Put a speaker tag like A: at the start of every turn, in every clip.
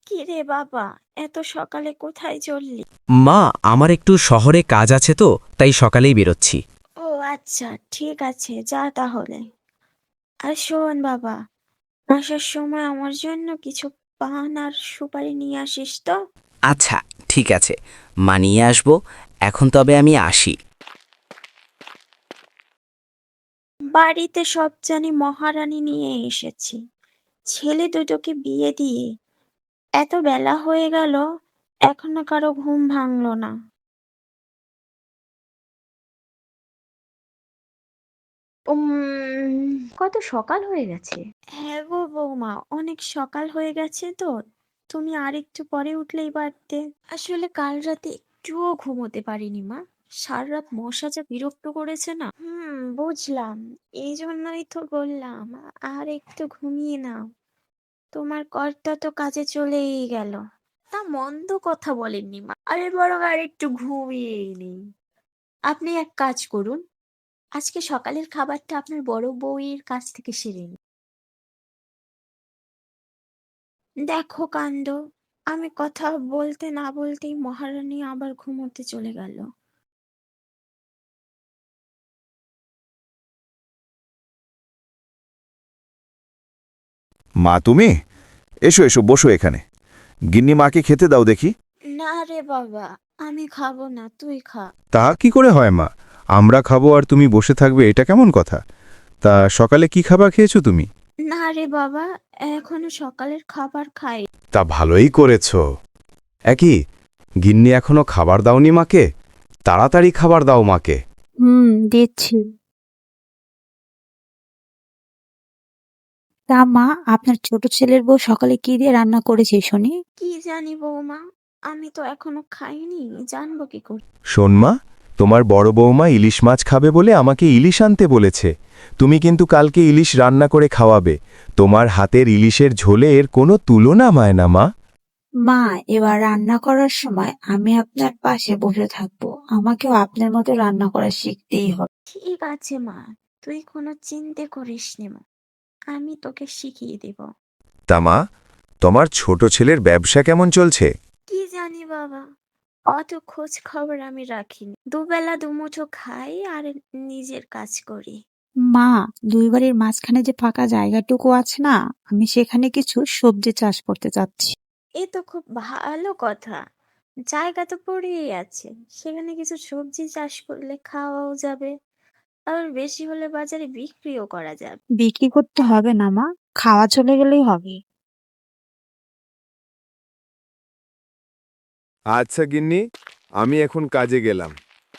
A: কি রে বাবা, এত সকালে কোথায় চললি?
B: মা, আমার একটু শহরে কাজ আছে তো, তাই সকালেই বেরোচ্ছি।
A: ও আচ্ছা, ঠিক আছে, যা তাহলে। আর শোন বাবা, আসার সময় আমার জন্য কিছু পান আর সুপারি নিয়ে আসিস তো।
B: আচ্ছা, ঠিক আছে, মানিয়ে আসবো। এখন তবে আমি আসি।
A: বাড়িতে সব জানি মহারানী নিয়ে এসেছি। ছেলে দুটোকে বিয়ে দিয়ে এত বেলা হয়ে গেল, এখনো কারো ঘুম ভাঙলো না।
C: কত সকাল হয়ে গেছে।
A: হ্যাঁ গো বৌমা, অনেক সকাল হয়ে গেছে তো। তুমি আর একটু পরে উঠলেই পারতে। আসলে কাল রাতে একটুও ঘুমোতে পারিনি মা। সারা রাত মশা যা বিরক্ত করেছে না। বুঝলাম। এই জন্যই তো বললাম আর একটু ঘুমিয়ে নাও। তোমার কর্তা তো কাজে চলেই গেল। তা মন্দ কথা বলেননি মা, আমি বরং আর একটু ঘুমিয়েই নিই। আপনি এক কাজ করুন, আজকে সকালের খাবারটা আপনার বড় বউয়ের কাছ থেকে সেরে নিন। দেখো কাণ্ড, আমি কথা বলতে না বলতেই মহারানী আবার ঘুমোতে চলে গেল।
D: মা তুমি? এসো এসো, বসো এখানে। গিন্নি মাকে খেতে দাও দেখি।
A: না রে বাবা, আমি খাবো না, তুই খা।
D: তা কি করে হয় মা? আমরা খাবো আর তুমি বসে থাকবে, এটা কেমন কথা? তা সকালে কি খাবার খেয়েছো তুমি?
A: না রে বাবা, এখনো সকালের খাবার খাই।
D: তা ভালোই করেছো। একই, গিন্নি এখনো খাবার দাওনি মাকে? তাড়াতাড়ি খাবার দাও মাকে।
C: দিচ্ছি। তা মা, আপনার ছোট ছেলের বউ সকালে কি দিয়ে রান্না করেছে শুনি?
A: কি জানি বৌমা, আমি তো এখনো খাইনি, জানবো কি করে?
D: শোন মা, তোমার বড় বৌমা ইলিশ মাছ খাবে বলে আমাকে ইলিশ আনতে বলেছে। তুমি কিন্তু কালকে ইলিশ রান্না করে খাওয়াবে। তোমার হাতের ইলিশের ঝোলে এর কোনো তুলনা হয় না মা।
C: মা, এবার রান্না করার সময় আমি আপনার পাশে বসে থাকবো। আমাকেও আপনার মতো রান্না করা শিখতেই হবে।
A: ঠিক আছে মা, তুই কোনো চিন্তা করিস নে মা, আমি তোকে শিখিয়ে দেব।
D: তা মা, তোমার ছোট ছেলের ব্যবসা কেমন চলছে?
A: কি জানি বাবা, অত খোঁজ খবর আমি রাখিনি। দুবেলা দুমুঠো খাই আর নিজের কাজ করি।
C: মা, দুই বাড়ির মাঝখানে যে ফাঁকা জায়গাটুকু আছে না, আমি সেখানে কিছু সবজি চাষ করতে চাচ্ছি।
A: এ তো খুব ভালো কথা। জায়গা তো পড়েই আছে, সেখানে কিছু সবজি চাষ করলে খাওয়াও যাবে, আবার বেশি হলে বাজারে বিক্রিও করা যাবে।
C: বিক্রি করতে হবে না মা, খাওয়া চলে গেলেই হবে।
D: আচ্ছা গিন্নি, আমি এখন কাজে গেলাম।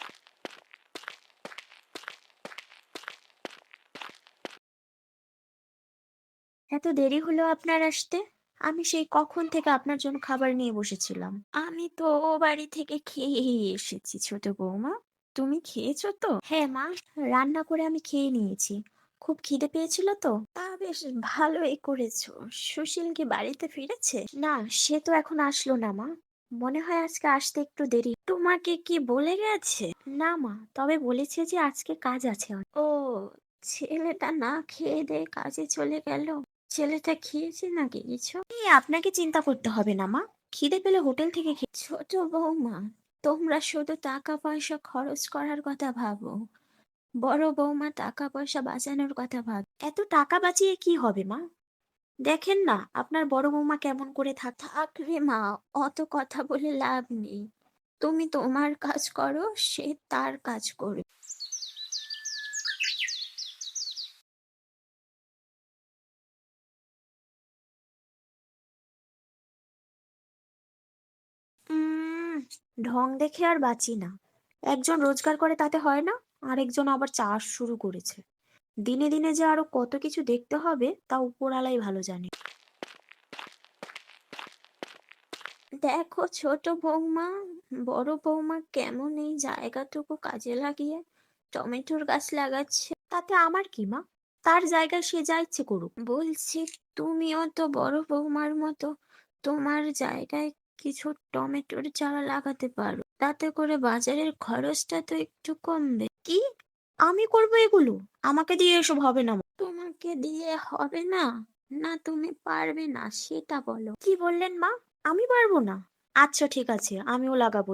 A: এত দেরি হলো আপনার আসতে? আমি সেই কখন থেকে আপনার জন্য খাবার নিয়ে বসেছিলাম। আমি তো ও বাড়ি থেকে খেয়েই এসেছি ছোট বৌমা। তুমি খেয়েছো তো? হ্যাঁ মা, রান্না করে আমি খেয়ে নিয়েছি। খুব খিদে পেয়েছিল তো। তা বেশ ভালোই করেছো। সুশীল কি বাড়িতে ফিরেছে? না, সে তো এখন আসলো না মা। মনে হয় আজকে আসতে একটু দেরি। তোমাকে কি বলে গেছে? না মা, তবে বলেছে যে আজকে কাজ আছে ও, ছেলেটা না খেয়ে দেয়ে কাজে চলে গেল। ছেলেটা খেয়েছে নাকি কিছু? আপনাকে চিন্তা করতে হবে না মা, খিদে পেলে হোটেল থেকে ছোট বৌমা, তোমরা শুধু টাকা পয়সা খরচ করার কথা ভাবো, বড় বৌমা টাকা পয়সা বাঁচানোর কথা ভাব। এত টাকা বাঁচিয়ে কি হবে মা? দেখেন না আপনার বড় বৌমা কেমন করে থাক রে মা, অত কথা বলে লাভ নেই। তুমি তোমার কাজ করো, সে তার কাজ করবে। উম ঢং দেখে আর বাঁচি না। একজন রোজগার করে তাতে হয় না, আরেকজন আবার চাষ শুরু করেছে। দিনে দিনে যে আরো কত কিছু দেখতে হবে তা উপরওয়ালাই ভালো জানে। দেখো ছোট বৌমা, বড় বৌমা কেমন এই জায়গাটুকু কাজে লাগিয়ে টমেটোর গাছ লাগাচ্ছে। তাতে আমার কি মা, তার জায়গায় সে যা ইচ্ছে করুক। বলছি, তুমিও তো বড় বৌমার মতো তোমার জায়গায় কিছু টমেটোর চারা লাগাতে পারো, তাতে করে বাজারের খরচটা তো একটু কমবে। কি, আমি করবো এগুলো? আমাকে দিয়ে এসব হবে না মা। তোমাকে দিয়ে হবে না? না তুমি পারবে না সেটা বলো। কি বললেন মা? আমি পারবো না। আচ্ছা ঠিক আছে, আমিও লাগাবো।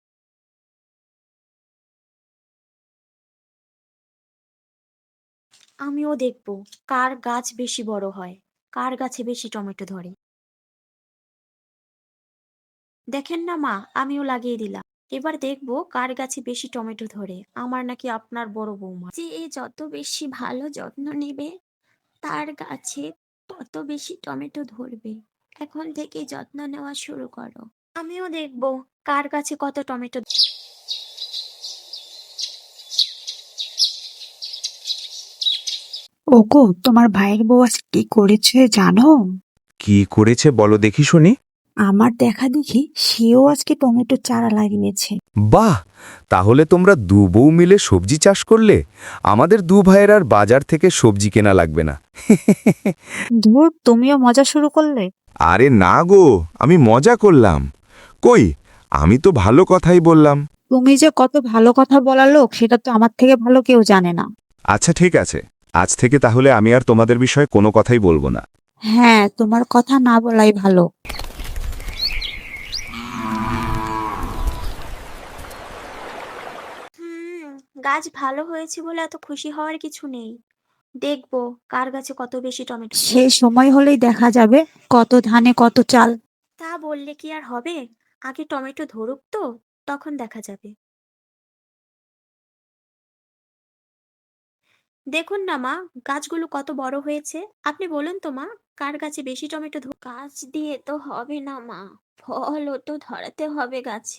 A: আমিও দেখবো কার গাছ বেশি বড় হয়, কার গাছে বেশি টমেটো ধরে। দেখেন না মা, আমিও লাগিয়ে দিলাম। এবার দেখবো কার গাছে বেশি টমেটো ধরে, আমার নাকি আপনার বড় বৌমা। যে যত বেশি ভালো যত্ন নেবে তার গাছে তত বেশি টমেটো ধরবে। এখন থেকে যত্ন নেওয়া শুরু করো। আমিও দেখবো কার গাছে কত টমেটো।
C: ওগো, তোমার ভাইয়ের বউ আজ কি করেছে জানো?
D: কি করেছে বলো দেখি শুনি।
C: আমার দেখা দেখি সেও আজকে টমেটো চারা লাগিয়েছে।
D: বাহ, তাহলে তোমরা দু বউ মিলে সবজি চাষ করলে? আমাদের দু ভাইয়ের আর বাজার থেকে সবজি কেনা লাগবে না।
C: ধুর, তুমিও মজা শুরু করলে।
D: আরে না গো, আমি মজা করলাম। কই, আমি তো ভালো কথাই বললাম।
C: তুমি যে কত ভালো কথা বলা লোক সেটা তো আমার থেকে ভালো কেউ জানে না।
D: আচ্ছা ঠিক আছে, আজ থেকে তাহলে আমি আর তোমাদের বিষয়ে কোনো কথাই বলবো না।
C: হ্যাঁ, তোমার কথা না বলাই ভালো।
A: হুম, গাছ ভালো হয়েছে বলে এত খুশি হওয়ার কিছু নেই। দেখবো কার গাছে কত বেশি টমেটো।
C: সে সময় হলেই দেখা যাবে কত ধানে কত চাল।
A: তা বললে কি আর হবে? আগে টমেটো ধরুক তো, তখন দেখা যাবে। দেখুন না মা, গাছগুলো কত বড় হয়েছে। আপনি বলুন তো মা, কার গাছে বেশি টমেটো গাছ দিয়ে তো হবে না মা, ফলও তো ধরাতে হবে গাছে।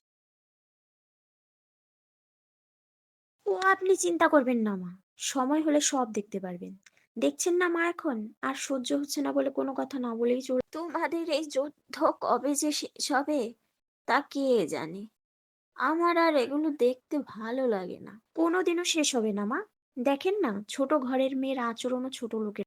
A: ও আপনি চিন্তা করবেন না মা, সময় হলে সব দেখতে পারবেন। দেখছেন না মা, এখন আর সহ্য হচ্ছে না বলে কোনো কথা না বলেই চল। তোমাদের এই যুদ্ধ কবে যে শেষ হবে তা কে জানে। আমার আর এগুলো দেখতে ভালো লাগে না। কোনোদিনও শেষ হবে না মা। দেখেন না, ছোট ঘরের মেয়ের আচরণও ছোট লোকের।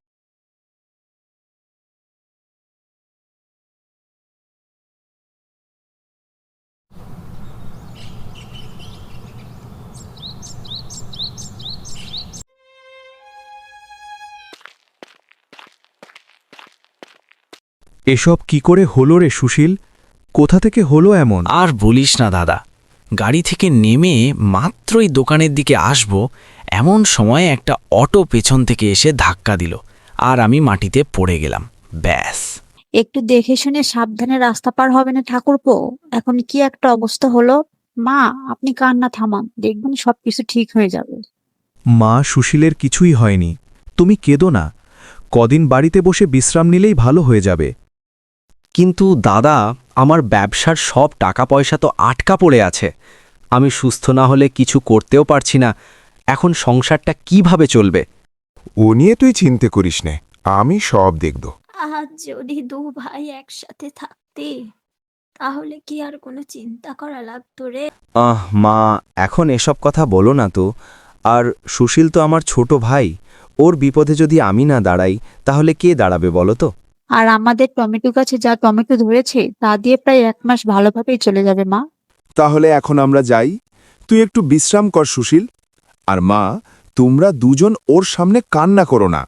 D: এসব কি করে হলো রে সুশীল? কোথা থেকে হলো এমন?
B: আর বলিস না দাদা, গাড়ি থেকে নেমে মাত্রই দোকানের দিকে আসব, এমন সময় একটা অটো পেছন থেকে এসে ধাক্কা দিল, আর আমি মাটিতে পড়ে গেলাম। ব্যাস।
C: একটু দেখে শুনে সাবধানে রাস্তা পার হবে না ঠাকুরপো? এখন কি একটা অবস্থা হলো। মা, আপনি কান্না থামান, দেখবেন সবকিছু ঠিক হয়ে যাবে।
D: মা, সুশীলের কিছুই হয়নি, তুমি কেঁদো না। কদিন বাড়িতে বসে বিশ্রাম নিলেই ভালো হয়ে যাবে।
B: কিন্তু দাদা, আমার ব্যবসার সব টাকা পয়সা তো আটকা পড়ে আছে। আমি সুস্থ না হলে কিছু করতেও পারছি না। এখন সংসারটা কিভাবে চলবে?
E: ও নিয়ে তুই চিন্তা করিস নে, আমি সব দেখব।
A: আজ যদি দু ভাই একসাথে থাকতে, তাহলে কি আর কোনো চিন্তা করা লাগতো রে?
B: মা, এখন এসব কথা বলো না তো। আর সুশীল তো আমার ছোট ভাই, ওর বিপদে যদি আমি না দাঁড়াই তাহলে কে দাঁড়াবে বলো তো?
C: আর আমাদের টমেটো গাছে যা টমেটো ধরেছে তা দিয়ে প্রায় 1 মাস ভালোভাবেই চলে যাবে মা।
E: তাহলে এখন আমরা যাই, তুই একটু বিশ্রাম কর সুশীল। আর মা, তোমরা দুজন ওর সামনে কান্না করো না।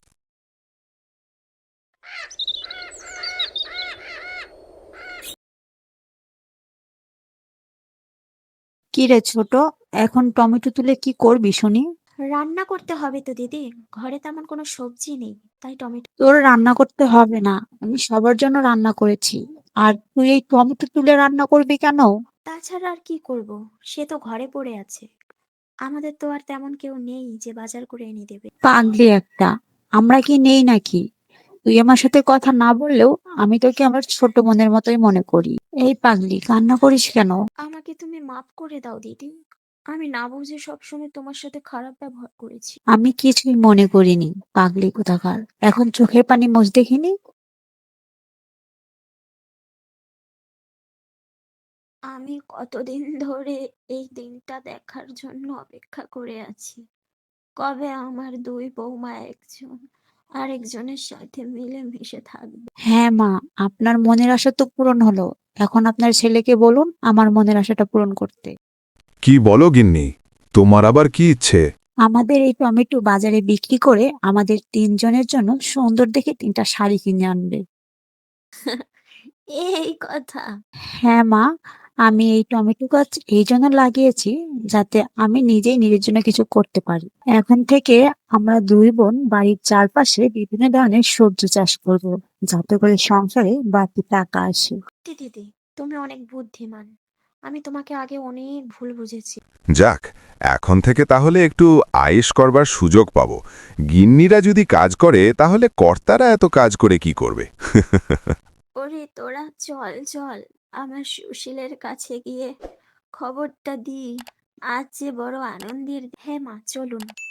C: কি রে ছোট, এখন টমেটো তুলে কি করবি শুনি?
A: রান্না করতে হবে তো দিদি, ঘরে তেমন কোনো সবজি নেই, তাই টমেটো।
C: তোর রান্না করতে হবে না, আমি সবার জন্য রান্না করেছি। আর তুই এই টমেটো তুলে রান্না করবি কেন?
A: তাছাড়া আর কি করব, সে তো ঘরে পড়ে আছে। আমাদের তো আর তেমন কেউ নেই যে বাজার করে এনে দেবে।
C: পাগলি একটা, আমরা কি নেই নাকি? তুই আমার সাথে কথা না বললেও আমি তোকে আমার ছোট বোনের মতোই মনে করি। এই পাগলি, কান্না করিস কেন?
A: আমাকে তুমি মাফ করে দাও দিদি, আমি না বুঝে সবসময় তোমার সাথে খারাপ ব্যবহার করেছি।
C: আমি কিছুই মনে করিনি, পাগলি কোথাকার। এখন চোখের পানি মুছ দেখিনি।
A: আমি কতদিন ধরে এই দিনটা দেখার জন্য অপেক্ষা করে আছি। কবে আমার দুই বৌমা একজন আরেকজনের সাথে মিলেমিশে থাকবে।
C: হ্যাঁ মা, আপনার মনের আশা তো পূরণ হলো। এখন আপনার ছেলেকে বলুন আমার মনের আশাটা পূরণ করতে।
E: কি বলো গিন্নি, তোমার আবার কি ইচ্ছে?
C: আমাদের এই টমেটো বাজারে বিক্রি করে আমাদের 3 জনের জন্য সুন্দর দেখে 3টা শাড়ি কিনে আনবে।
A: এই কথা।
C: হ্যাঁ মা, আমি এই টমেটো গাছ এই জন্য লাগিয়েছি যাতে আমি নিজেই নিজের জন্য কিছু করতে পারি। এখন থেকে আমরা দুই বোন বাড়ির চারপাশে বিভিন্ন ধরনের সবজি চাষ করব, যাতে করে সংসারে বাড়তি টাকা আসে।
A: দিদি, তুমি অনেক বুদ্ধিমান। আমি তোমাকে আগে অনেক ভুল বুঝেছি।
E: যাক, এখন থেকে তাহলে একটু আয়েশ করবার সুযোগ পাবো। গিন্নিরা যদি কাজ করে তাহলে কর্তারা এত কাজ করে কি করবে?
A: ওরে তোরা চল চল, আমার সুশীলের কাছে গিয়ে খবরটা দি। আজ যে বড় আনন্দের। হ্যাঁ মা, চলুন।